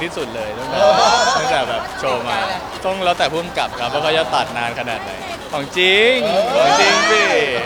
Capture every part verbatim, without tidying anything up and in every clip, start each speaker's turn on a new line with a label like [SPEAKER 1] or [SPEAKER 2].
[SPEAKER 1] ที่สุดเลยตั้งแต่ตั้งแต่แบบโชว์มาต้องแล้วแต่ผู้กำกับครับว่าเขาจะตัดนานขนาดไหนของจริงของจริงสิ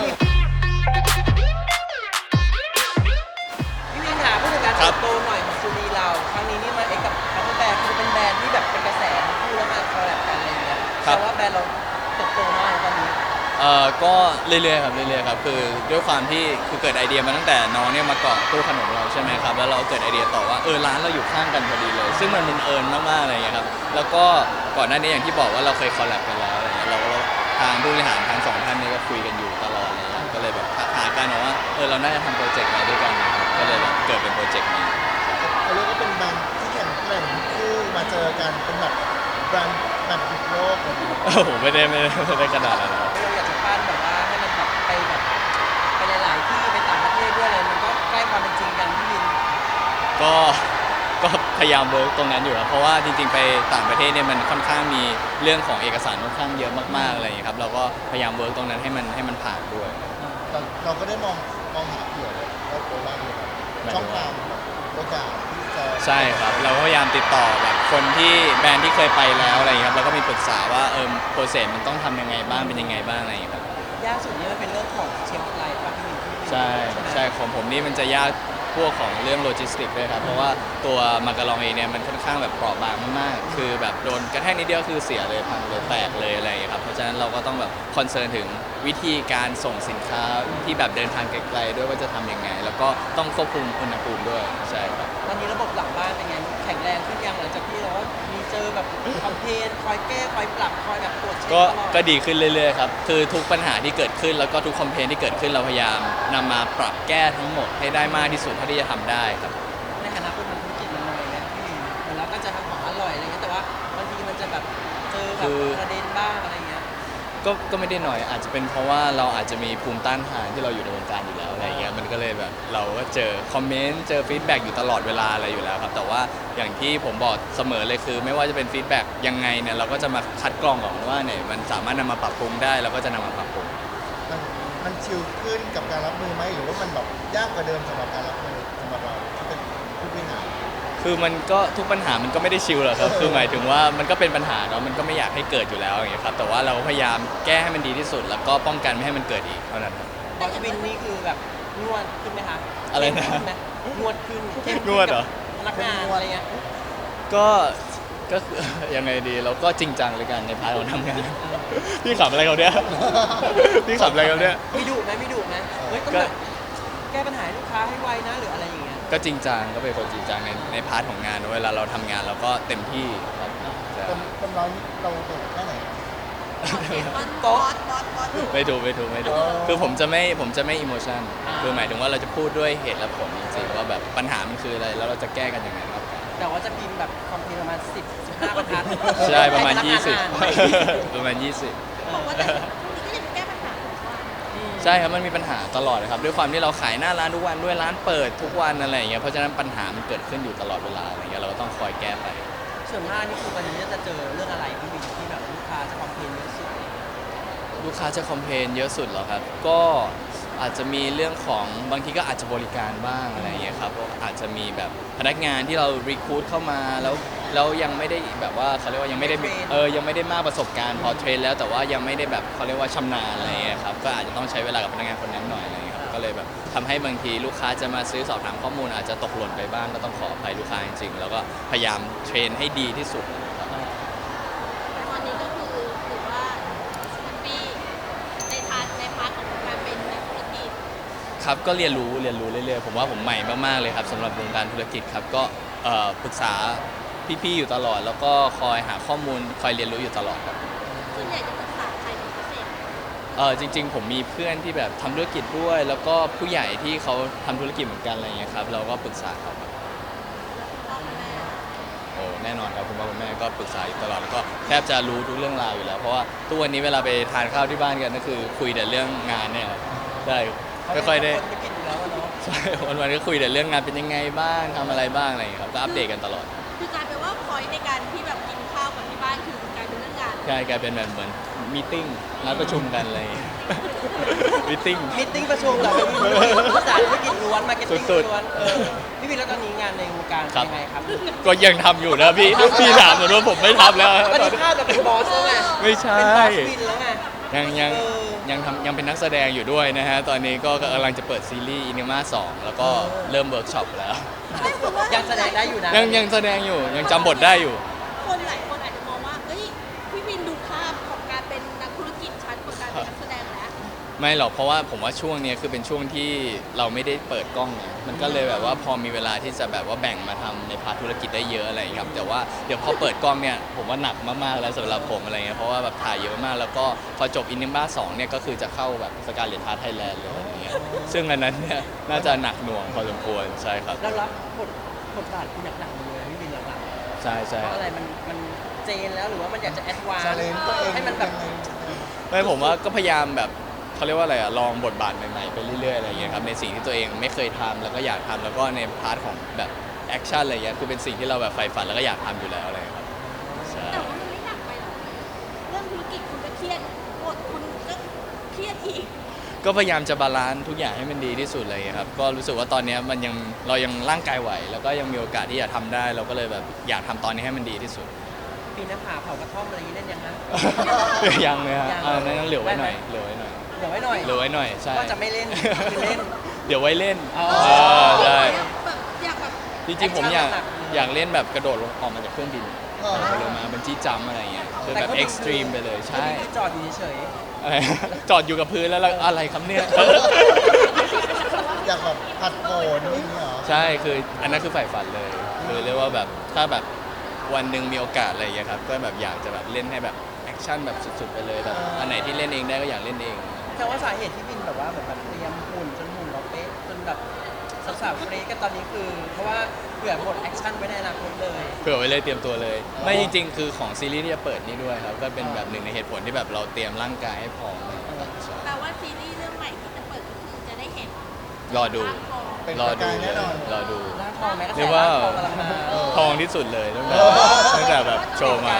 [SPEAKER 2] พี่วินหาผู้จัดการเติบโตหน่อยของซูนีเราครั้งนี้นี่มาเอ็กกับคัพเปอร์แบร์คือเป็นแบรนด์ที่แบบเป็นกระแสคู่แล้วมาคอลแลบกันอะไรอย่างเงี้ยแต่ว่าแบรนด์เราเติบโตมากตอนนี้
[SPEAKER 1] เอ่อก็เรื่อยๆครับเรื่อยๆครับคือด้วยความที่คือเกิดไอเดียมาตั้งแต่น้องเนี่ยมาเกาะตู้ขนมเราใช่ไหมครับแล้วเราเกิดไอเดียต่อว่าเออร้านเราอยู่ข้างกันพอดีเลยซึ่งมันบังเอิญมากๆอะไรอย่างเงี้ยครับแล้วก็ก่อนหน้านี้อย่างที่บอกว่าเราเคยคอลแลบกันแล้วอะไรเงี้ยเราก็ทางผู้บริหารทั้งสองท่านเนี่ยก็คุยกันอยู่ตลอดเลยก็เลยแบบหากันว่าเออเราน่าจะทำโปรเจกต์อะไรด้วยกันนะครับก็เลยแบบเกิดเป็นโปรเจกต์นี้
[SPEAKER 3] เขาเรียกว่าเป็นแบรนด์ที่แข่งแกร่งคู่มาเจอกันเป็นแบบแบรนด์แบบติดโลกเลย
[SPEAKER 1] โอ้โหไม่ได้ไม่ได้ไม่ได้ขนาดนั้นครับ
[SPEAKER 2] เราอยากจะปั้นแบบว่าให้มันแบบไปแบบไปหลายๆที่ไปต่างประเทศด้วยเลยมันก็ใกล้ความเป็นจริงกันพี่วิน
[SPEAKER 1] ก็ก็พยายามเวิร์กตรงนั้นอยู่ครับเพราะว่าจริงๆไปต่างประเทศเนี่ยมันค่อนข้างมีเรื่องของเอกสารค่อนข้างเยอะมากๆอะไรอย่างนี้ครับเราก็พยายามเวิร์กตรงนั้นให้มันให้มันผ่านด้วย
[SPEAKER 3] แต่เราก็ได้มองมองหาเผื่อเลยว่าโคราชเนี่ยช่องทางแบบโอกาสที่จะ
[SPEAKER 1] ใช่ครับเราก็พยายามติดต่อแบบคนที่แบรนด์ที่เคยไปแล้วอะไรอย่างนี้ครับแล้วก็มีปรึกษาว่าเออโปรเซสมันต้องทำยังไงบ้างเป็นยังไงบ้างอะไรอย่างนี้ครับ
[SPEAKER 2] ยากสุดนี่มันเป็นเรื่องของเชฟไลฟ์ป่ะพี่วิน
[SPEAKER 1] ใช่ใช่ของผมนี่มันจะยากพวกของเรื่องโลจิสติกด้วยครับเพราะว่าตัวมาการองเองเนี่ยมันค่อนข้างแบบเปราะบางมากๆคือแบบโดนกระแทกนิดเดียวคือเสียเลยพังเลยแตกเลยอะไรอย่างเงี้ยครับเพราะฉะนั้นเราก็ต้องแบบคอนเซิร์นถึงวิธีการส่งสินค้าที่แบบเดินทางไกลๆด้วยว่าจะทำยังไงแล้วก็ต้องควบคุมอุณหภูมิด้วยใช่ครับ
[SPEAKER 2] ตอนนี้ระบบหลังบ้านเป็นไงแข็งแรงขึ้นยังหลังจากที่เราว่ามีเจอแบบคอมเพลนคอยแก้คอยปรับคอยแบบตรวจเช็ค
[SPEAKER 1] ก็
[SPEAKER 2] ตลอด
[SPEAKER 1] ก็ดีขึ้นเรื่อยๆครับคือทุกปัญหาที่เกิดขึ้นแล้วก็ทุกคอมเพลนที่เกิดขึ้นเราพยายามนำมาปรับแก้ทั้งหมดให้ได้มากที่สุดเท่าที่จะทำได้ครับ
[SPEAKER 2] ในฐานะคนทำธุรกิจมันหน่อยนะพี่เหมือนเราก็จะทำของอร่อยอะไรเงี้ยแต่ว่าบางทีมันจะแบบเจอแบบประเด็นบ้างอะไรเงี้ย
[SPEAKER 1] ก็ก็ไม่ได้หน่อยอาจจะเป็นเพราะว่าเราอาจจะมีภูมิต้านทานที่เราอยู่ในวงการอยู่แล้วอะไรเงี้ยมันก็เลยแบบเราก็เจอคอมเมนต์เจอฟีดแบ็กอยู่ตลอดเวลาอะไรอยู่แล้วครับแต่ว่าอย่างที่ผมบอกเสมอเลยคือไม่ว่าจะเป็นฟีดแบ็กยังไงเนี่ยเราก็จะมาคัดกรองก่อนว่าเนี่ยมันสามารถนำมาปรับปรุงได้เราก็จะนำมาปรับปรุง
[SPEAKER 3] มันมันชิลขึ้นกับการรับมือไหมหรือว่ามันแบบยากกว่าเดิมสำหรับการรับมือสำหรับเราที่เป็นผู้บริหาร
[SPEAKER 1] คือมันก็ทุกปัญหามันก็ไม่ได้ชิลหรอกครับคือหมายถึงว่ามันก็เป็นปัญหาเนาะมันก็ไม่อยากให้เกิดอยู่แล้วอย่างเงี้ยครับแต่ว่าเราพยายามแก้ให้มันดีที่สุดแล้วก็ป้องกันไม่ให้มันเกิดอีกเท่านั้นครับ
[SPEAKER 2] บอสวินนี่คือแบบนวดขึ้นไหมคะ
[SPEAKER 1] อะไรนะ
[SPEAKER 2] นวดขึ้น
[SPEAKER 1] นวดเหรอ
[SPEAKER 2] พนักงานอะไรเงี้ย
[SPEAKER 1] ก็ก็ยังไงดีเราก็จริงจังเลยกันในพาร์ทของทำงานพี่ขับอะไรเขาเนี่ยพี่ขับอะไรเขาเนี่ย
[SPEAKER 2] ไม่ดุไหมไม่ดุไหมเฮ้ยต้องแบบแก้ปัญหาให้ลูกค้าให้ไวนะหรืออะไรอย่างเงี้ย
[SPEAKER 1] ก็จริงจังก็เป็นคนจริงจังในในพาร์ทของงานเวลาเราทำงานเราก็เต็มที่ครับ
[SPEAKER 3] คนคนเราเราเด็กแค่ไหน
[SPEAKER 2] โต๊ะ
[SPEAKER 1] ไม่ถูกไม่ถูกไม่ถูกคือผมจะไม่ผมจะไม่อิโมชันคือหมายถึงว่าเราจะพูดด้วยเหตุและผลจริงๆว่าแบบปัญหามันคืออะไรแล้วเราจะแก้กันยังไงครับ
[SPEAKER 2] แต่ว่าจะพิมพ์แบบคอมพิวประมาณสิบ สิบห้าบรรทัด
[SPEAKER 1] ใช่ประมาณยี่สิบประมาณยี่สิบ
[SPEAKER 4] บอกว่าแต่ช่วงนี้ก็ยังแก้ปัญหา
[SPEAKER 1] ใช่ครับมันมีปัญหาตลอดเลยครับด้วยความที่เราขายหน้าร้านทุกวันด้วยร้านเปิดทุกวันอะไรอย่างเงี้ยเพราะฉะนั้นปัญหามันเกิดขึ้นอยู่ตลอดเวลาอะไรเงี้ยเราก็ต้องคอยแก้ไป
[SPEAKER 2] ส่วนมากนี่คือวันนี้จะเจอเรื่องอะไรที่มีที่แบบลูกค้าจะคอมเพลนเยอะสุด
[SPEAKER 1] ลูกค้าจะคอมเพลนเยอะสุดเหรอครับก็อาจจะมีเรื่องของบางทีก็อาจจะบริการบ้างอะไรอย่างเงี้ยครับอาจจะมีแบบพนักงานที่เรารีคูดเข้ามาแล้วแล้วยังไม่ได้แบบว่าเขาเรียกว่ายังไม่ได้เออยังไม่ได้มากประสบการณ์พอเทรนแล้วแต่ว่ายังไม่ได้แบบเขาเรียกว่าชำนาญอะไรอย่างเงี้ยครับก็อาจจะต้องใช้เวลากับพนักงานคนนั้นหน่อยอะไรอย่างเงี้ยครับก็เลยแบบทำให้บางทีลูกค้าจะมาซื้อสอบถามข้อมูลอาจจะตกหล่นไปบ้างก็ต้องขออภัยลูกค้าจริงๆแล้วก็พยายามเทรนให้ดีที่สุด
[SPEAKER 4] ตอนนี้ก็คือถือว่าปีในพาร์ทในพาร์ทของการเป็นนักธุรกิจ
[SPEAKER 1] ครับก็เรียนรู้เรียนรู้เรื่อยๆผมว่าผมใหม่มากๆเลยครับสำหรับวงการธุรกิจครับก็ปรึกษาพี่ๆอยู่ตลอดแล้วก็คอยหาข้อมูลคอยเรียนรู้อยู่ตลอดครับ
[SPEAKER 4] ส่วนใหญ่จะปรึกษาใครเป็นพิเศษ
[SPEAKER 1] เออจริงๆผมมีเพื่อนที่แบบทำธุรกิจด้วยแล้วก็ผู้ใหญ่ที่เขาทำธุรกิจเหมือนกันอะไรอย่างเงี้ยครับเราก็ปรึกษาเขาครับโอ้แน่นอนครับคุณพ่อคุณแม่ก็ปรึกษาอยู่ตลอดแล้วก็แทบจะรู้ทุกเรื่องราวอยู่แล้วเพราะว่าทุกวันนี้เวลาไปทานข้าวที่บ้านกันก็คือคุยแต่เรื่องงานเนี่ยได้ไม่ค่อยได้ใช่วันๆก็คุยแต่เรื่องงานเป็นยังไงบ้างทำอะไรบ้างอะไรอย่างเงี้ยครับก็อัปเดตกันตลอด
[SPEAKER 4] คือกลายเป็นว่าพอยต์ในการที่แบบกินข้าวกับที่บ้านคือกลายเป็นเรื่องงาน
[SPEAKER 1] ใช่กลายเป็นแบบเหมือนมีติ้งนัดประชุมกันอะไรอย่างเงี้ยมิทติ้ง
[SPEAKER 2] มิทติ้งประชุมเหรอพี่วินภาษาธุรกิจล้วนมาร์เก็ตติ้ง
[SPEAKER 1] สุดๆ
[SPEAKER 2] ล้วนเออพี่วินแล้วตอนนี้งานในวงการ
[SPEAKER 1] ครับ
[SPEAKER 2] เป็นยังไงครับ
[SPEAKER 1] ก็ยังทำอยู่นะพี่ พี่ถามเหมือนว่าผมไม่ทำแล้ว
[SPEAKER 2] ตอนนี้ภาพเราเป็นบอสแล้วไง
[SPEAKER 1] ไม่ใช่
[SPEAKER 2] เป็นบอสวินแล้วไง
[SPEAKER 1] ยังยัง
[SPEAKER 2] เออ
[SPEAKER 1] ยังทำยังเป็นนักแสดงอยู่ด้วยนะฮะ ตอนนี้ก็กำลังจะเปิดซีรีส์อินิมาสองแล้วก็เริ่มเวิร์กช็อปแล้ว
[SPEAKER 2] ยังแสดงได้อยู่นะ
[SPEAKER 1] ยังยังแสดงอยู่ยังจำบทได้อยู่
[SPEAKER 4] คนหลายคนอาจจะมองว่าเฮ้ยพี่วินดูภาพของการเป็นนักธุรกิจชัดกว่าการเป็นนักแสดงแล้ว
[SPEAKER 1] ไม่หรอกเพราะว่าผมว่าช่วงเนี้ยคือเป็นช่วงที่เราไม่ได้เปิดกล้องไงมันก็เลยแบบว่าพอมีเวลาที่จะแบบว่าแบ่งมาทำในพาร์ทธุรกิจได้เยอะอะไรอย่างเงี้ยครับแต่ว่าเดี๋ยวพอเปิดกล้องเนี่ยผมว่าหนักมากๆแล้วสำหรับผมอะไรเงี้ยเพราะว่าแบบถ่ายเยอะมากแล้วก็พอจบอินนิบ้าสองเนี่ยก็คือจะเข้าแบบสการเลตทาร์ไทยแลนด์เลยอะไรเงี้ยซึ่งอันนั้นเนี่ยน่าจะหนักหน่วงพอสมควรใช่ครับ
[SPEAKER 2] แล้วรับบทบทบาทที่หนักๆเลยพี่วินหลังๆ
[SPEAKER 1] ใช่ใช่
[SPEAKER 2] เพราะอะไรมันมันเจนแล้วหรือว่ามันอยากจะแอดวาน
[SPEAKER 3] ชาเลนจ์ตัวเอง
[SPEAKER 2] ให้มันแบบ
[SPEAKER 1] ไม่ผมว่าก็พยายามแบบเขาเรียกว่าอะไรอะลองบทบาทใหม่ๆไปเรื่อยๆอะไรอย่างเงี้ยครับในสิ่งที่ตัวเองไม่เคยทำแล้วก็อยากทำแล้วก็ในพาร์ทของแบบแอคชั่นอะไรเงี้ยคือเป็นสิ่งที่เราแบบใฝ่ฝันแล้วก็อยากทำอยู่แล้วอะไรครับใช่
[SPEAKER 4] แต่ว่ามันไม่หนักไปหรอกเรื่องธุรกิจคุณก็เครียดบทคุณก็เครียดอีก
[SPEAKER 1] ก็พยายามจะบาลานซ์ทุกอย่างให้มันดีที่สุดเลยครับก็รู้สึกว่าตอนเนี้ยมันยังเรายังร่างกายไหว แล้วก็ยังมีโอกาสที่จะทำได้ เราก็เลยแบบอยากทำตอนนี้ให้มันดีที่สุด
[SPEAKER 2] ปีนหน้าผาเผากระท่อมอะไรอย่างนี้เล่นยังฮะ
[SPEAKER 1] ยังเลยฮะ
[SPEAKER 2] ยัง
[SPEAKER 1] อ่านั้นเหลือไว้หน่อย
[SPEAKER 2] ได้ไหม
[SPEAKER 1] เหลือไว้หน่อย
[SPEAKER 2] เดี๋ยวไว้หน่อย
[SPEAKER 1] เหลือไว้หน่อยใช่
[SPEAKER 2] ว่าจะไม่เล่นคือเล่น
[SPEAKER 1] เดี๋ยวไว้เล่น
[SPEAKER 2] อ๋อ
[SPEAKER 1] เออใช่
[SPEAKER 4] แบบอยากแบบ
[SPEAKER 1] จริงๆผมอยาก
[SPEAKER 2] แอคชั่นหนักๆ
[SPEAKER 1] อยากเล่นแบบกระโดดลงออกมาจากเครื่องบิน
[SPEAKER 3] เออ
[SPEAKER 1] ลงมาเป็นจี้จัมป์อะไรเงี้ยคือแบบ
[SPEAKER 2] ก็
[SPEAKER 1] เอ็กซ์ตรีมไปเลยใช่
[SPEAKER 2] ที่จอดอยู่เฉย
[SPEAKER 1] อะไร จอดอยู่กับพื้นแล้วเราอะไรครับเนี่ย
[SPEAKER 3] อยากแบบผัดโผนอย่างนี้เหรอ
[SPEAKER 1] ใช่คืออันนั้นคือใฝ่ฝันเลยคือเรียกว่าแบบถ้าแบบวันหนึ่งมีโอกาสอะไรอย่างเงี้ยครับก็แบบอยากจะแบบเล่นให้แบบแอคชั่นแบบสุดๆไปเลยแบบอันไหนที่เล่นเองได้ก็อยากเล่นเอง
[SPEAKER 2] ๆแต่ว่าสาเหตุที่วินแบบว่าเหมือนแบบเตรียมหุ่นจนหุ่นเราเป๊ะจนแบบสาวๆเฟรชกันตอนนี้คือ เพราะว่าเผื่อบทแอคชั่นไว้ในอนาคตเลย
[SPEAKER 1] เผื่อไว้เลยเตรียมตัวเลย ไม่จริงๆ คือของซีรีส์ที่จะเปิดนี่ด้วยครับก็เป็นแบบหนึ่งในเหตุผลที่แบบเราเตรียมร่างกายให้พร้อมใช่
[SPEAKER 4] แปลว่าซีรีส์เรื่องใหม่ที่จะเปิดก็คือจะได้เห็น
[SPEAKER 1] รอดู
[SPEAKER 4] ภาพของ
[SPEAKER 3] เป็น
[SPEAKER 1] รอ
[SPEAKER 3] ประ
[SPEAKER 1] ดู
[SPEAKER 3] กายแน่นอน
[SPEAKER 1] รอดู
[SPEAKER 2] ร่างทองแม้กระ
[SPEAKER 1] เรี
[SPEAKER 2] แส
[SPEAKER 1] ยกว่า
[SPEAKER 2] ร่างทองกำลังมา
[SPEAKER 1] ทองที่สุดเลยตั้งแต่ตั้งแต่แบบโชว์มา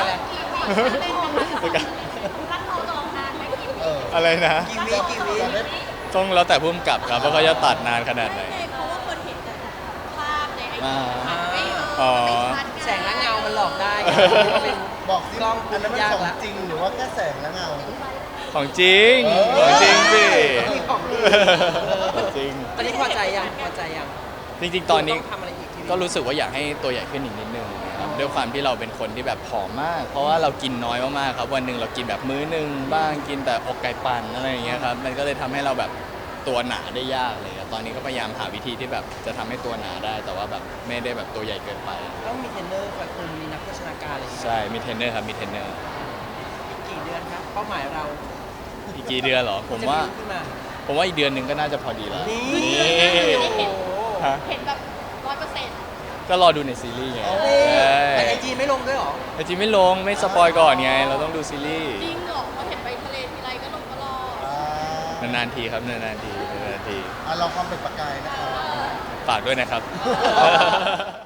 [SPEAKER 4] รักเขาลองนานไหมกี่
[SPEAKER 3] เอ
[SPEAKER 4] ปี
[SPEAKER 3] อ
[SPEAKER 1] อะไรนะ
[SPEAKER 2] กีวีกีวี
[SPEAKER 3] จะได้
[SPEAKER 1] ต้องแล้วแต่พุ่มกับครับว่าเขาจะตัดนานขนาดไหน
[SPEAKER 4] ไม่ไงเพราะว่าคนเห็นแต่ภาพในไอ
[SPEAKER 1] อ่า
[SPEAKER 4] จีมันไม่เอ
[SPEAKER 1] อ๋อ
[SPEAKER 4] อไม่ชัดไ
[SPEAKER 2] แสงและเงามันหลอกได้ไงเป็น
[SPEAKER 3] บอกสิ
[SPEAKER 2] กล้อง
[SPEAKER 3] อันนั้นมัน
[SPEAKER 2] ยาก
[SPEAKER 3] ของ
[SPEAKER 2] ละ
[SPEAKER 3] จริงหรือว่าแค่แสงและเงา
[SPEAKER 1] ของจริง
[SPEAKER 3] เออ
[SPEAKER 1] ของจริงสิ
[SPEAKER 2] มีของดี
[SPEAKER 1] ของจริง
[SPEAKER 2] ตอนนี้พอใจยังพอใจยัง
[SPEAKER 1] จริงๆ ตอนนี้
[SPEAKER 2] งทำอะไรอีกที
[SPEAKER 1] ก็รู้สึกว่าอยากให้ตัวใหญ่ขึ้นอีกนิดนึงนะครับด้วยความที่เราเป็นคนที่แบบผอมมาก เพราะว่าเรากินน้อยมากๆครับวันหนึ่งเรากินแบบมื้อหนึ่งบ้างกินแต่อกไก่ปั่นอะไรอย่างเงี้ยครับมันก็เลยทำให้เราแบบตัวหนาได้ยากเลยครับตอนนี้ก็พยายามหาวิธีที่แบบจะทำให้ตัวหนาได้ แต่ว่าแบบไม่ได้แบบตัวใหญ่เกินไป
[SPEAKER 2] ต้องมีเทรนเนอร์คอยคุมมีนักโภชนาการอะไรอย่างเงี้ย
[SPEAKER 1] ใช่มีเทรนเนอร์ครับมีเทรนเนอร์
[SPEAKER 2] อีกกี่เดือนครับเป้าหมายเรา
[SPEAKER 1] อีกกี่เดือนเหรอผมว่า
[SPEAKER 2] จะขึ้นมา
[SPEAKER 1] ผมว่าอีกเดือนหนึ่งก็น่าจะพอดีแล้ว
[SPEAKER 2] นี่
[SPEAKER 1] นี่
[SPEAKER 2] โอ้โห
[SPEAKER 1] ฮะ
[SPEAKER 4] เห็นแบบร้อยเปอร์เซ็นต์
[SPEAKER 1] ก็รอดูในซีรีส์ไง
[SPEAKER 2] นี่
[SPEAKER 1] ใช่
[SPEAKER 2] แต่ไอจีไม่ลงด้วยเหรอ
[SPEAKER 1] แต่จริงไม่ลงไม่สปอยก่อนไง เราต้องดูซีรีส์
[SPEAKER 4] จริงเหรอพอเห็นไปทะเลทีไรก็ลงตลอด
[SPEAKER 3] อ่าน
[SPEAKER 1] านๆทีครับนานๆทีนานๆที
[SPEAKER 3] อ่ะเราความเป็นประกายนะครับ
[SPEAKER 1] ฝากด้วยนะครับ